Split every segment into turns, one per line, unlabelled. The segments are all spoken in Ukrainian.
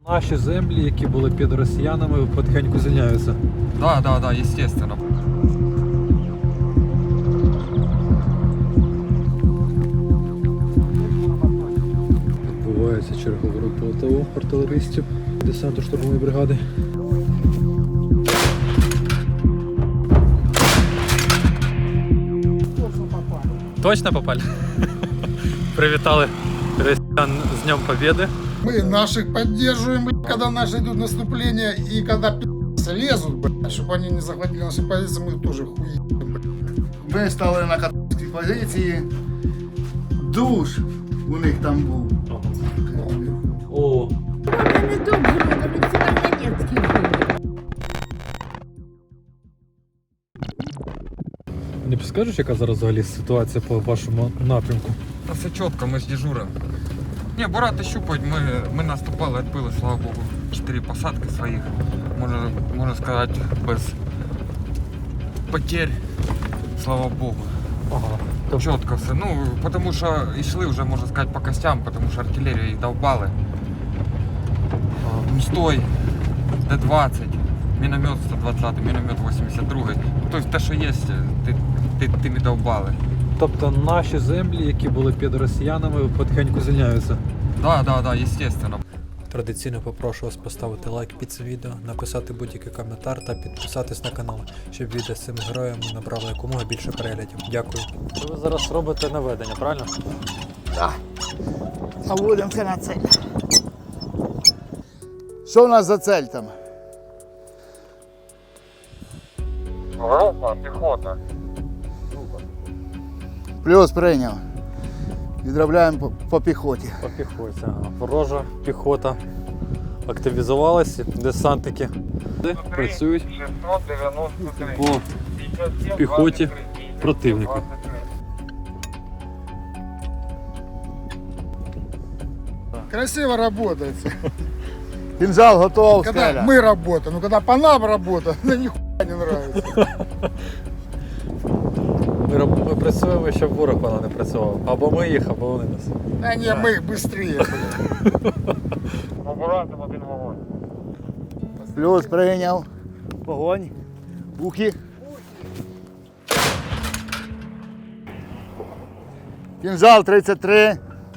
Наші землі, які були під росіянами, потихеньку звільняються.
Да, естественно.
Відбувається чергова робота у артилеристів десанту штурмової бригади. Точно попали? Привітали росіян з Днем Побєди.
Мы наших поддерживаем, когда наши идут наступления, и когда лезут, чтобы они не захватили наши позиции, мы тоже хуи.
Ми стали на католицькій позиції. Душ у них там був.
О,
Не добре, але це Марганецький був.
не підскажеш, яка зараз взагалі ситуація по вашому напрямку?
Та все чітко, ми ж дежуримо. Ні, бурати щупають, ми наступали, відбили, слава Богу, 4 посадки своїх. Можна сказати, без потерь, слава Богу.
Ага.
Чітко все. Ну, тому що йшли вже, можна сказати, по костям, тому що артилерію їх довбали. Стой, Д-20, міномет 120, міномет 82. Тобто те, що є, тими довбали.
Тобто наші землі, які були під росіянами, потихеньку звільняються.
Да, естественно.
Традиційно попрошу вас поставити лайк під це відео, написати будь-який коментар та підписатись на канал, щоб відео з цими героями набрало якомога більше переглядів. Дякую. Ви зараз робите наведення, правильно?
Так. Наводимося на цель. Що у нас за цель там?
Група, піхота.
Плюс прийняв. Відробляємо по піхоті.
По піхоті. Ага. Ворожа піхота активізувалася, десантники працюють
693.
по піхоті противника.
Красиво работает.
Кінжал готов,
Когда
скеля.
мы работаем, ну когда по нам работаем, мне нихуя не нравится.
Ми працюємо, щоб ворог вона не працював. Або ми їх, або вони нас.
А не, мы их быстрее, блядь.
Побуратим один вогонь.
Плюс прийняв. Вогонь. Ухи. Кінжал 33.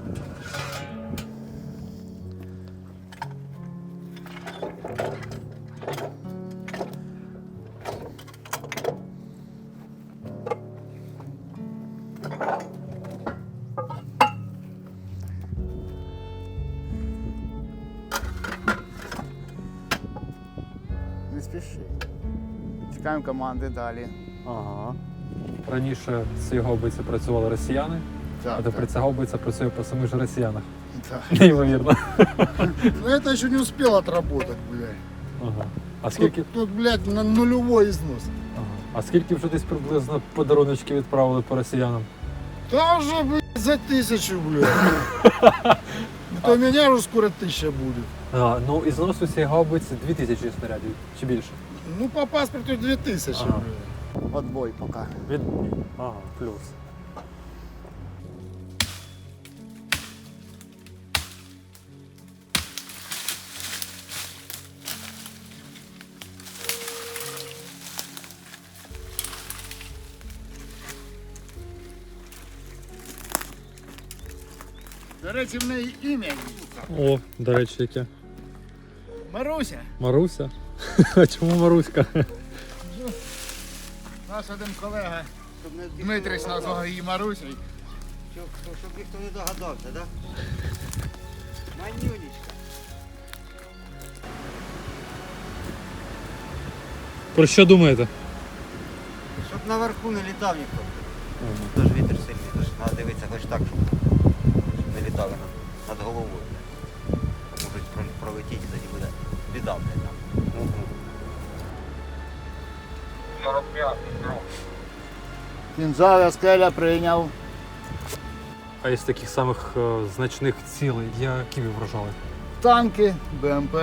Не спіши. Чекаємо команди далі.
Ага. Раніше з цієї гаубиці працювали росіяни, а тепер ця гаубиця працює по самих же росіянах.
Так.
Неймовірно.
Но это еще не успел отработать, блядь.
Ага. А скільки,
Тут, блядь, на нулевой износ.
ага. А скільки вже десь приблизно подаруночки відправили по росіянам?
Да уже, блядь, за 1000, блядь. То у меня уже скоро 1000 будет.
А, ну і зносу цієї гаубиці 2000 снарядів чи більше.
Ну, по паспорту 2000,
Ага.
блядь.
Отбой поки.
Від... Ага, плюс.
До речі, в неї ім'я.
О, до речі, яке.
Маруся.
Маруся? А чому Маруська?
Наш один колега Дмитрич назвав її Марусею. Щоб ніхто не догадався, так? Манюнечка.
Про що думаєте?
Щоб наверху не літав ніхто. Тож вітер сильний, тож треба дивитися хоч так, щоб не літали над головою. Можуть пролетіти, і тоді буде біда, блядь, там.
45.
Кінжал скеля прийняв.
А із таких самих значних цілей, які ви вражали?
Танки, БМП.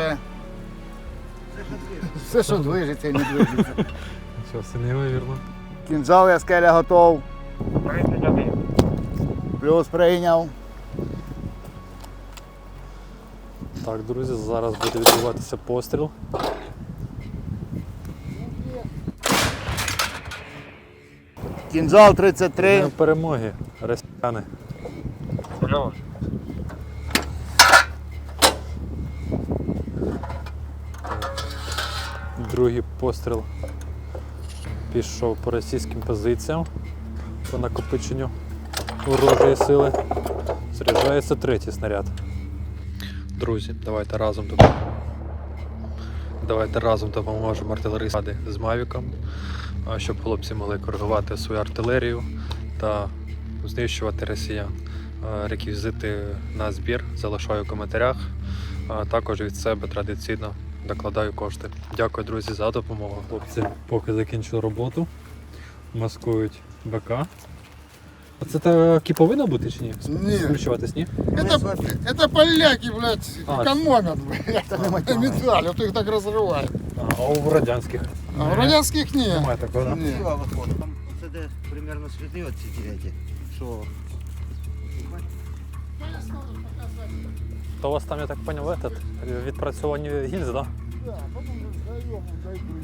Все, що движеться і не движеться.
Нічого, все неймовірно.
Кінжал скеля готов.
31.
Плюс прийняв.
Так, друзі, зараз буде відбуватися постріл.
Кінжал 33.
Днем перемоги, росіяни. Другий постріл пішов по російським позиціям, по накопиченню ворожої сили. Заряджається третій снаряд. Друзі, давайте разом допоможемо артилеристам з Мавіком, щоб хлопці могли коригувати свою артилерію та знищувати росіян. Реквізити на збір залишаю в коментарях. Також від себе традиційно докладаю кошти. Дякую, друзі, за допомогу. Хлопці поки закінчили роботу, маскують БК. А це таки повинно бути чи ні?
Ні.
Скручуватись, ні?
Это поляки, блядь,
А,
экономят, блядь. Медаль, вот их так разрывают.
А у радянських
А у радянских нет.
немає такого, да?
Ні.
Сила виходить. Там це де примерно сліди оці діляті. Що
То у вас там, я так поняв, этот, відпрацьовані гільзи, да?
Да, потом раздаем, дойду.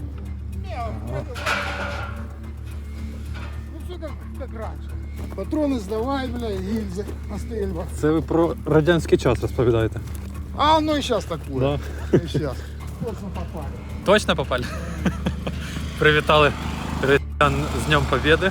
Ну все как раньше. Патроны сдавай, бля, гильзы на стрельбах.
Це ви про радянський час розповідаєте.
А оно и сейчас такое.
Да.
И сейчас. Точно попали.
Точно попали? Привітали росіян з Днем Побєди.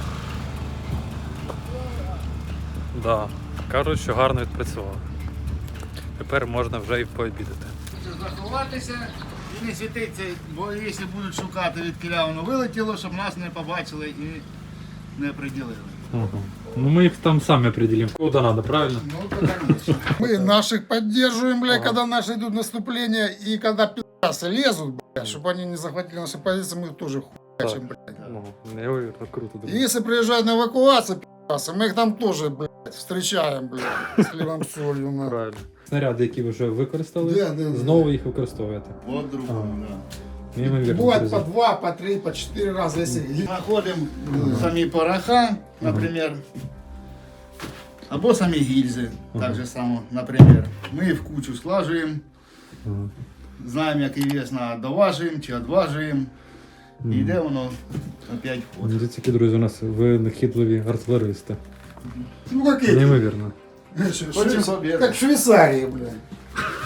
Да. Кажуть, що гарно відпрацювали. Тепер можна вже і пообідати.
Заховатися і не світитися, бо якщо будуть шукати, від кіля воно вилетіло, щоб нас не побачили і не приділили.
Ну мы их там сами определим, куда надо, правильно?
Ну, то, конечно.
Мы наших поддерживаем, бля, когда наши идут наступления, и когда пи***сы лезут, бля, чтобы они не захватили наши позиции, мы их тоже хуячим, блядь.
Ну, невероятно круто.
И если приезжают на эвакуацию, пи***сы, мы их там тоже, блядь, встречаем, блядь, с хлебом солью, на.
Правильно. Снаряди, які ви вже використали,
Да.
знову їх використовуєте.
От другому, да.
Неймовірно,
Бывает
друзі.
по 2, по 3, по 4 раза, если...
Знаходимо самі пороха, наприклад, або самі гільзи, так же само, наприклад. Ми їх в кучу складуємо, знаємо, який вес доважуємо чи відважуємо, і йде воно опять в ход.
Дивіться, які, друзі, у нас винахідливі артилеристи.
Ну, как эти.
Неймовірно.
Хочем победы.
Как в Швейцарии, блядь.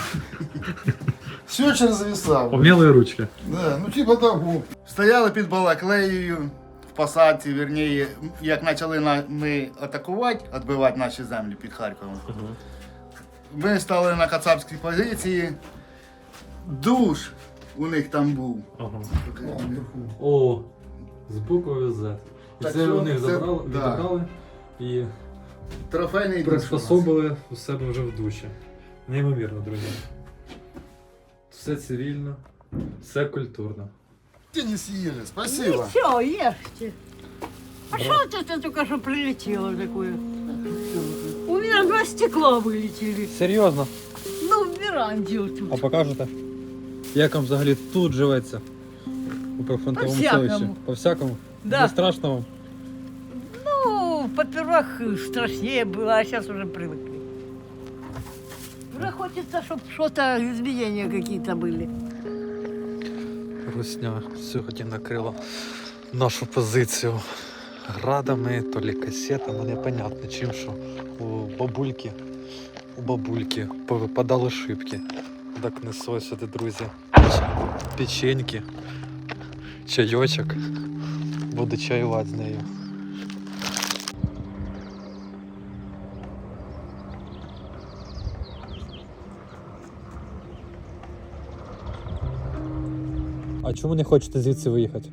Все через зависал.
Умілі ручки.
Да, ну типа того.
Стояли під Балаклеєю в посадці, вірніше, як почали ми атакувати, відбивати наші землі під Харковом. Ми стали на кацапській позиції. Душ у них там був.
Ага. О, з буквою Z. І
Так
це
що
у них
це-
забрали,
да.
відібрали і
Трофейний душ. у нас.
приспособили у себе вже в душі. Неймовірно, друзі. Все цивільно, все культурно.
Те не съели, спасибо.
Все, ешьте. А что это только что прилетело такое? У меня 2 стекла вылетели.
Серйозно?
Ну, в веранде вот тут.
А покажете? Як вам взагалі тут живеться? У прифронтовому
По-всякому.
селищі? По-всякому?
Да.
Не страшно вам?
Ну, попервах страшнее было, а сейчас уже привыкли. Уже хочется, чтобы что-то, изменения какие-то были.
Русня сьогодні накрила нашу позицію градами, то лі касетами, непонятно чим, що у бабульки повипадали шибки. Так несу сюди, друзі, печеньки, чайочок, буду чаювати з нею. А чому не хочете звідси виїхати?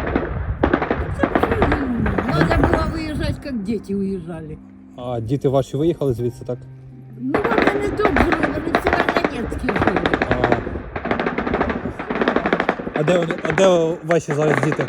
Надо было выезжать, как дети уезжали.
А діти ваші виїхали звідси, так?
Ну, вони не тут жили, вони в Северодонецьке жили.
А де ваші зараз діти?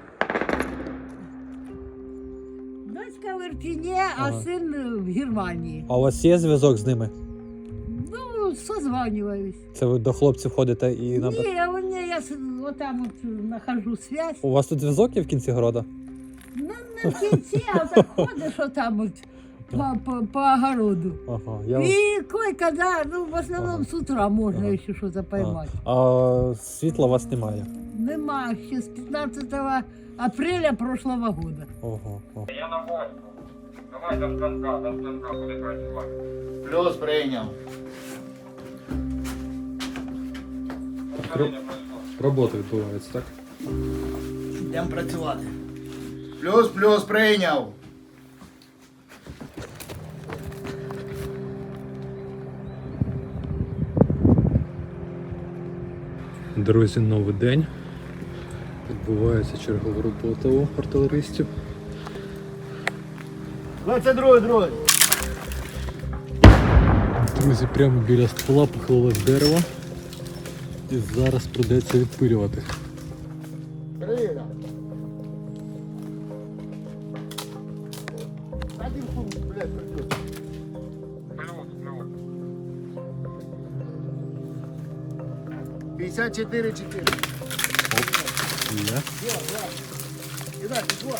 Дочка в Ирпене, а
Ага.
сын в Германии.
А у вас є зв'язок з ними?
Ну, созваниваюсь.
Це ви до хлопців ходите і
Не, у меня я вот там вот нахожу связь.
У вас тут зв'язок є в кінці города?
Ну, на кінці, а так ходиш отам от по огороду.
Ага, я...
И кое-когда, ну, в основном с утра можно еще что-то поймать.
А світла у вас немає?
Нема, ще с 15 апреля прошлого года.
Ого.
Я на гостю. Давай до станка буде працювати.
Плюс прийняв.
Робота відбувається, так?
Йдемо працювати. Плюс прийняв.
Друзі, новий день. Відбувається чергова робота у артилеристів.
22 друзі.
Друзі, прямо біля ствола похилилось дерево. І зараз придеться відпилювати.
Прийняв. Один фунт, блядь, придется.
Плюс.
54-4.
Є.
Кидай, пішло.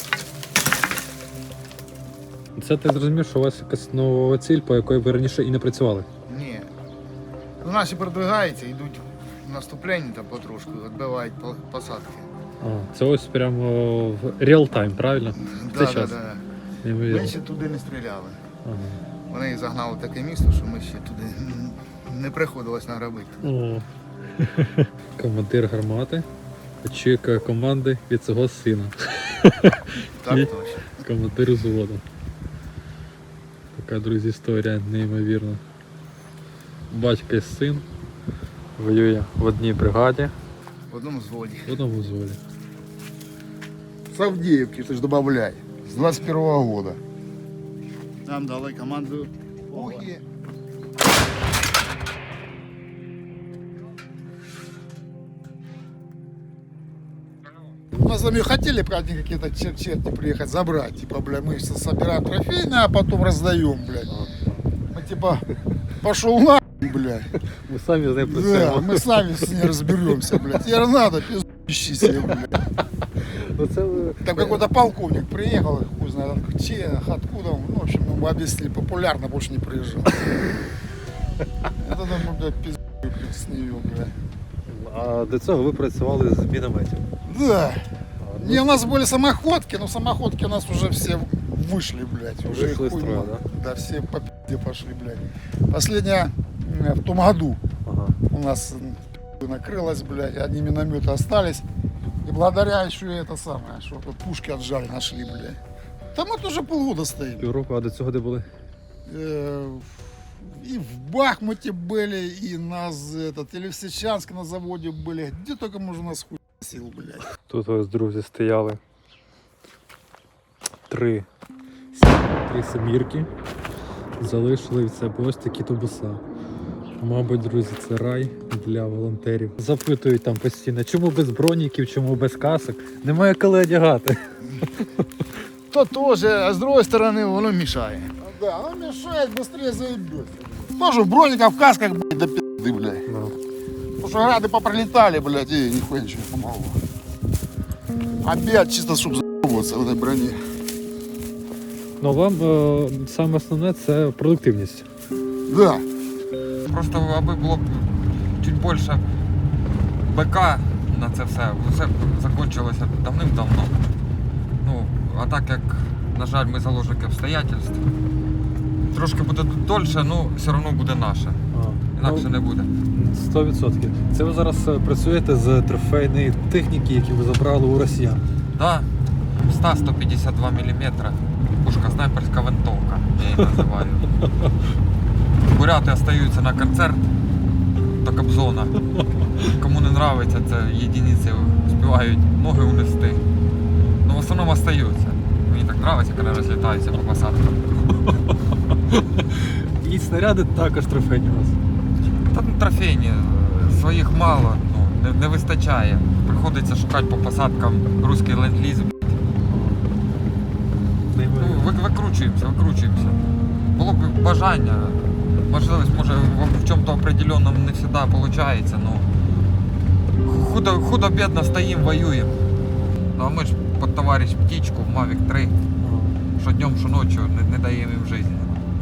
Це ти зрозумів, що у вас якась нова ціль, по якої ви раніше і не працювали?
Ні. Ну, наші продвигаються, йдуть в наступлення там потрошку, відбивають посадки.
А, це ось прямо в реал-тайм, правильно? В цей час.
Да.
Неймовірно.
Ми ще туди не стріляли.
Ага.
Вони їх загнали в таке місто, що ми ще туди не приходилось награбити.
О. Командир гармати очікує команди від свого сина.
Так
Ні.
точно.
Командир взводу. Така, друзі, історія неймовірна. Батько і син воює в одній бригаді,
В одному взводі.
в одному взводі.
С Авдеевки, ты ж добавляй. С 21-го года.
Нам дали команду Ухи.
Мы с вами хотели, правда, какие-то черти приехать забрать. Типа, бля, мы все собираем трофейные, а потом раздаем, блядь. Мы типа, пошел на, блядь.
Ми самі з ним
Да, мы сами с ней разберемся, блядь. Тебе надо, пиздующий себе, блядь. Там какой-то полковник приехал, хуй знает, откуда он. Ну, в общем, мы объяснили, популярно, больше не приезжал. Это там, блядь, пиздуй с нее, блядь.
А до цього ви працювали з мінометів.
Да. Не, у нас были самоходки, но самоходки у нас уже все вышли, блядь. Уже
Вышли из
хуй
строя,
мало.
да?
Да, все по пизде пошли, блядь. Последняя в том году
Ага.
у нас накрылась, блядь, одни минометы остались. И благодаря еще это самое, что вот пушки отжали, нашли, блядь. Там мы тоже полгода стоим.
Півроку, а до цього де були?
И в Бахмуте были, и и в Лисичанске на заводе были. Где только можно нас хуй сил, блядь.
Тут ось, друзі, стояли три семірки. Залишили від себе ось такі тубуса. Мабуть, друзі, це рай для волонтерів. Запитують там постійно, чому без броніків, чому без касок. Немає коли одягати.
То тоже, а с другой стороны, оно мешает.
Да, она мешает, быстрее заебется. Тоже в брониках, в касках, блядь, до пизды, блядь. Потому что грады попролетали, блядь, и нихуя ничего не помогло. Обед чисто, чтобы заебываться в этой броне.
Ну вам саме основне це продуктивність.
Да.
Просто аби було б чуть більше БК на це все закінчилося давним-давно. Ну, а так як, на жаль, ми заложники обстоятельств, трошки буде дольше, ну все одно буде наше. Інакше не буде.
100%. Це ви зараз працюєте з трофейної техніки, які ви забрали у росіян.
Да, 100-152 мм. Пушка снайперська винтовка, я її називаю. Буряти остаються на концерт до Кобзона. Кому не подобається, це єдиниці співають ноги унести. Ну в основному остаються. Мені так подобається, коли розлітаються по посадкам.
І снаряди також трофейні у вас.
Та ну, трофейні, своїх мало, ну, не вистачає. Приходиться шукати по посадкам русський ленд-ліз. Ну, викручуємося. Було б бажання, можливість, може в чому-то определенному не завжди виходить, ну худо-бідно стоїмо, воюємо. Ну а ми ж під товариш птічку в Mavic 3 що днем, що ночі не даємо їм життя.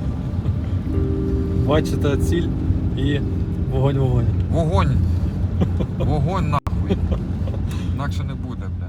Бачите ціль і вогонь.
Вогонь! Вогонь нахуй! Інакше не буде, бля.